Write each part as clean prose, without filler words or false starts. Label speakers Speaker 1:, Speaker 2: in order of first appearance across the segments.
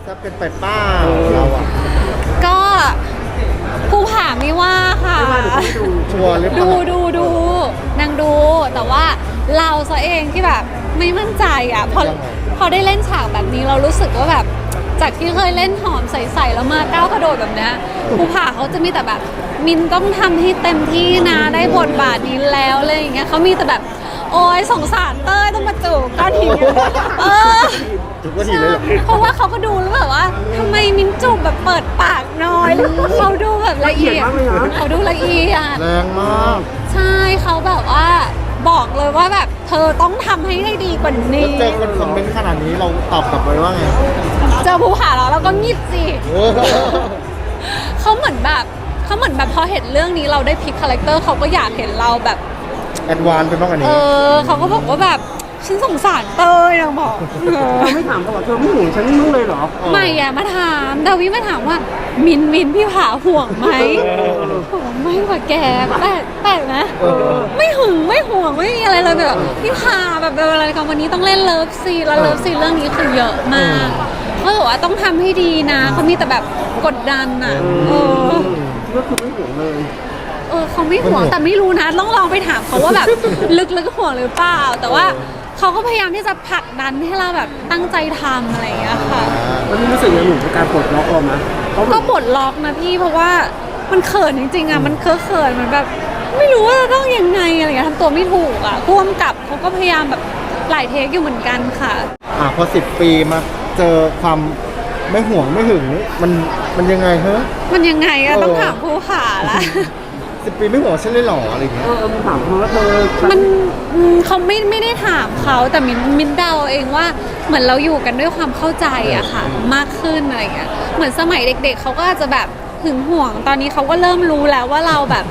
Speaker 1: จะเป็นไปเป้าเราอะ
Speaker 2: ก็ภูผาไม่ว่าค่ะ
Speaker 1: ชัวร์หรือเป
Speaker 2: ดู
Speaker 1: ล่า
Speaker 2: นางดูแต่ว่าเราซะเองที่แบบไม่มั่นใจอ่ะพอได้เล่นฉากแบบนี้เรารู้สึกว่าแบบจากที่เคยเล่นหอมใสๆแล้วมาก้าวกระโดดแบบเนี้ยภูผาเขาจะมีแต่แบบมินต้องทำให้เต็มที่นะได้บทบาทนี้แล้วอะไรอย่างเงี้ยเขามีแต่แบบโอ้ยสงสารเต้ยต้องมาจูบก้อนหิน
Speaker 1: จุกก็ทีเลยเหรอ
Speaker 2: เพราะว่าเขาก็ดูแล้วแบบว่าทำไมมินจูบแบบเปิดปากน้อยแล้วเขาดูแบบละเอียดเขาดูละเอียด
Speaker 1: แรงมาก
Speaker 2: ใช่เขาแบบว่าบอกเลยว่าแบบเธอต้องทำให้ได้ดีกว่า
Speaker 1: แล้ว
Speaker 2: นี้
Speaker 1: เจอคนคอมเมนต์ขนาดนี้เราตอบกลับไปว่าไง
Speaker 2: เจอภูผาแล้วเราก็งีบสิ
Speaker 1: เออ
Speaker 2: เขาเหมือนแบบพอเห็นเรื่องนี้เราได้พลิกคาแรคเตอร์เขาก็อยากเห็นเราแบบ
Speaker 1: แอดวานซ์ไปมากกว่านี้
Speaker 2: เขาก็บอกว่าแบบฉันสงสารเต้ยนางบอก
Speaker 3: เธอไม่ถามเขาว่าเธอไม่ห่วงฉันมึงเลยเหรอ
Speaker 2: ไม่อะมาถามดาวิมาถามว่ามินพี่ผาห่วงไหมห่วงไม่กว่าแกแปลกนะไม่หึงไม่ห่วงไม่มีอะไรเลยแบบพี่ผาแบบอะไรกันวันนี้ต้องเล่นเลิฟซีนแล้วเลิฟซีนเรื่องนี้คือเยอะมากเขาบอกว่าต้องทำให้ดีนะเขามีแต่แบบกดดันอะ
Speaker 3: ก็คือไม่ห่วงเลย
Speaker 2: เขาไม่ห่วงแต่ไม่รู้นะต้องลองไปถามเขาว่าแบบลึกๆห่วงหรือเปล่าแต่ว่าเขาก็พยายามที่จะผลักดันให้เราแบบตั้งใจทำอะไรอย่างเงี้ยค่ะ
Speaker 3: แล้วนี่รู้สึกยังไงหนูกับการปลดล็อกออกมา
Speaker 2: ก็ปลดล็อกนะพี่เพราะว่ามันเขินจริงๆอ่ะมันเขินมันแบบไม่รู้ว่าจะต้องยังไงอะไรเงี้ยทำตัวไม่ถูกอ่ะพ่วงกับเขาก็พยายามแบบหลายเทคอยู่เหมือนกันค่ะ
Speaker 1: พอ10 ปีมาเจอความไม่ห่วงไม่หึงนี่มันยังไงเฮ้ย
Speaker 2: มันยังไงอะต้องถามภูผาละ
Speaker 1: 10 ปีไม่ห่วงฉันเลยเหรออะไรอย่างเงี้ย
Speaker 3: มึงถามเขาว่าเธอ
Speaker 2: มันเขาไม่ได้ถามเขาแต่มินเดาเองว่าเหมือนเราอยู่กันด้วยความเข้าใจอะค่ะมากขึ้นอะไรเงี้ยเหมือนสมัยเด็กๆเขาก็อาจจะแบบหึงห่วงตอนนี้เขาก็เริ่มรู้แล้วว่าเราแบบ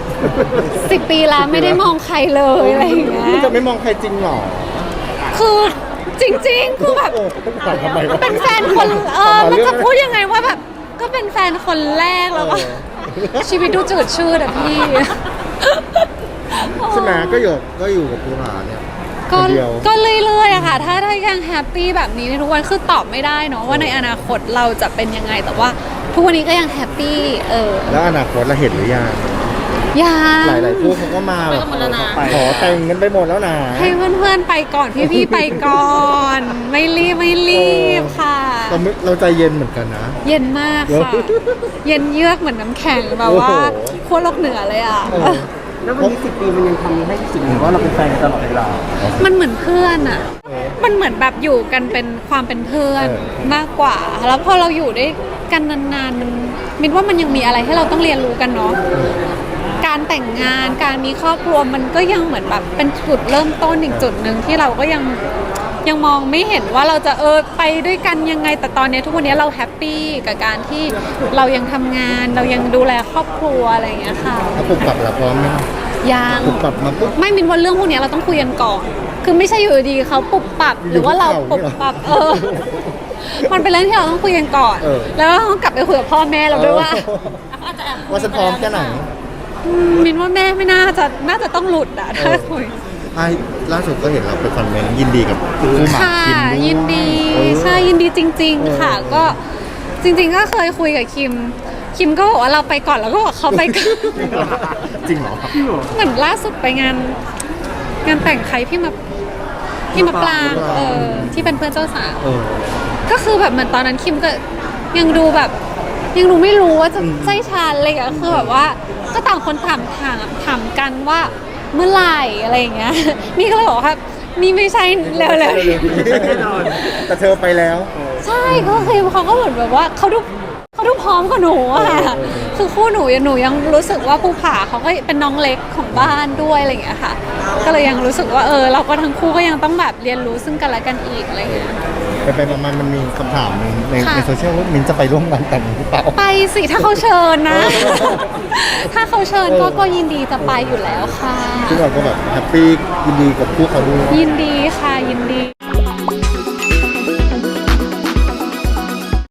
Speaker 2: 10 ปีแล้วไม่ได้มองใครเลยอะไรอย่างเงี้ย
Speaker 1: จะไม่มองใครจริงเหรอ
Speaker 2: คือจริงๆคือแบบ
Speaker 1: ถามทำไมวะ
Speaker 2: เป็นแฟนคนมันจะพูดยังไงว่าแบบก็เป็นแฟนคนแรกแล้วก็ชีวิตดูจืดชืดอะพี่
Speaker 1: ใช่ไหมก็อยู่กับภูผาเนี่ย
Speaker 2: ก็
Speaker 1: คนเดียว
Speaker 2: ก็เรื่อยๆอะค่ะถ้ายังแฮปปี้แบบนี้ในทุกวันคือตอบไม่ได้เนาะว่าในอนาคตเราจะเป็นยังไงแต่ว่าทุกวันนี้ก็ยังแฮปปี้
Speaker 1: แล้วอนาคตเราเห็นหรือยัง
Speaker 2: ยัง
Speaker 1: หลายๆคู่เขาก็มาแบบขอแต่งกันไปหมดแล้วนะ
Speaker 2: ให้เพื่อนๆไปก่อนพี่ๆไปก่อน ไม่รีบค่ะ
Speaker 1: เราใจเย็นเหมือนกันนะ
Speaker 2: เย็นมากค่ะ เย็นเยือกเหมือนน้ำแข็งแบบว่าขั้วโลกเหนือเลยอ่ะ
Speaker 3: แล้ววันนี้10 ปีมันยังทำให้รู้สึกเหมือนว่าเราเป็นแฟนกันตลอดเวลา
Speaker 2: มันเหมือนเพื่อนอ่ะ มันเหมือนแบบอยู่กันเป็นความเป็นเพื่อนมากกว่า แล้วพอเราอยู่ด้วยกันนานๆมันมินว่ามันยังมีอะไรให้เราต้องเรียนรู้กันเนาะ การแต่งงานการมีครอบครัวมันก็ยังเหมือนแบบเป็นจุดเริ่มต้นอีกจุดหนึ่งที่เราก็ยังมองไม่เห็นว่าเราจะไปด้วยกันยังไงแต่ตอนนี้ทุกวันนี้เราแฮปปี้กับการที่เรายังทำงานเรายังดูแลครอบครัวอะไรอย่างเงี้ยค่ะ
Speaker 1: ถ้าปรับเราพร้อมไหม
Speaker 2: ยัง
Speaker 1: ปรับมาปุ๊บ
Speaker 2: ไม่มินว่าเรื่องพวกนี้เราต้องคุยกันก่อนคือไม่ใช่อยู่ดีเขาปุบปรับหรือว่าเราปุบปรับมันเป็นเรื่องที่เราต้องคุยกันก่อนแล้วเราต้องกลับไปคุยกับพ่อแม่เราด้วยว่า
Speaker 1: ว่าฉันพร้อมแค่ไหน
Speaker 2: มินว่าแม่ไม่น่าจะต้องหลุดอะถ้าคุย
Speaker 1: ล่าสุดก็เห็นเราไปคอนเมนต์ยินดีกับคู่หมาก
Speaker 2: ค่ะ
Speaker 1: คิมด้วย
Speaker 2: ยินดีใช่ยินดีจริง ๆ ค่ะ ก็จริง ๆ ก็เคยคุยกับคิมก็บอกว่าเราไปก่อนแล้วก็บอกเขาไปก่อน
Speaker 1: จริงเหรอ
Speaker 2: เหมือนล่าสุดไปงานแต่งใครพี่มาปลางที่เป็นเพื่อนเจ้าสาวก็คือแบบเหมือนตอนนั้นคิมก็ยังดูแบบยังดูไม่รู้ว่าจะใช่ชาอะไรอย่างเงี้ยคือแบบว่าก็ต่างคนถามกันว่าเมื่อไหร่อะไรอย่างเงี้ยนี่ก็เลยบอกว่านี่ไม่ใช่เร็ว
Speaker 3: แน่นอน
Speaker 1: แต่เธอไปแล้ว
Speaker 2: ใช่ก็คือเขาก็เหมือนแบบว่าเขาดูพร้อมกว่าหนูอะคือคู่หนูยังรู้สึกว่าภูผาเขาก็เป็นน้องเล็กของบ้านด้วยอะไรอย่างเงี้ยค่ะก็เลยยังรู้สึกว่าเราก็ทั้งคู่ก็ยังต้องแบบเรียนรู้ซึ่งกันและกันอีกอะไรอย่างเงี้ย
Speaker 1: ไปมามันมีคำถามหนึ่งในโซเชียลว่ามินจะไปร่วมงานแต่งหรือเปล่า
Speaker 2: ไปสิถ้าเขาเชิญนะ ถ้าเขาเชิญก็ยินดีจะไปอยู่แล้วค่ะ
Speaker 1: ซึ่งเราก็แบบแฮปปี้ยินดีกับคู่เขาด้วย
Speaker 2: ยินดีค่ะยินดี